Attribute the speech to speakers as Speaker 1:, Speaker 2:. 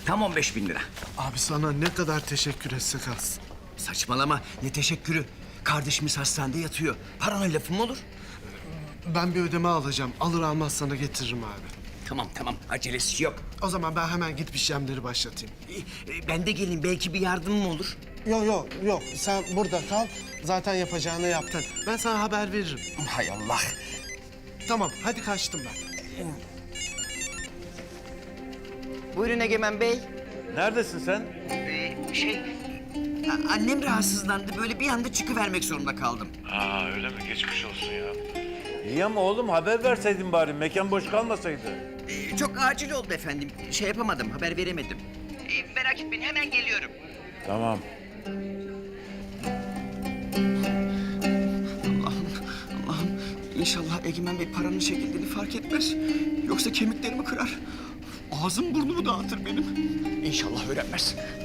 Speaker 1: Tam 15.000 lira.
Speaker 2: Abi sana ne kadar teşekkür etsek az.
Speaker 1: Saçmalama, ne teşekkürü. Kardeşimiz hastanede yatıyor. Parana lafım olur.
Speaker 2: Ben bir ödeme alacağım. Alır almaz sana getiririm abi.
Speaker 1: Tamam, acelesi yok.
Speaker 2: O zaman ben hemen gidip işlemleri başlatayım.
Speaker 1: Ben de geleyim, belki bir yardımım olur.
Speaker 2: Yok. Sen burada kal. Zaten yapacağını yaptın. Ben sana haber veririm.
Speaker 1: Hay Allah.
Speaker 2: Tamam, hadi kaçtım ben.
Speaker 1: Buyurun Egemen Bey.
Speaker 3: Neredesin sen?
Speaker 1: Annem rahatsızlandı. Böyle bir anda çıkıvermek zorunda kaldım.
Speaker 3: Aa öyle mi? Geçmiş olsun ya. İyi ama oğlum haber verseydin bari. Mekan boş kalmasaydı.
Speaker 1: Çok acil oldu efendim. Şey yapamadım, haber veremedim. Merak etmeyin, hemen geliyorum.
Speaker 3: Tamam.
Speaker 1: Allah'ım. İnşallah Egemen Bey paranın çekildiğini fark etmez. Yoksa kemiklerimi kırar. Ağzım burnumu dağıtır benim. İnşallah öğrenmez.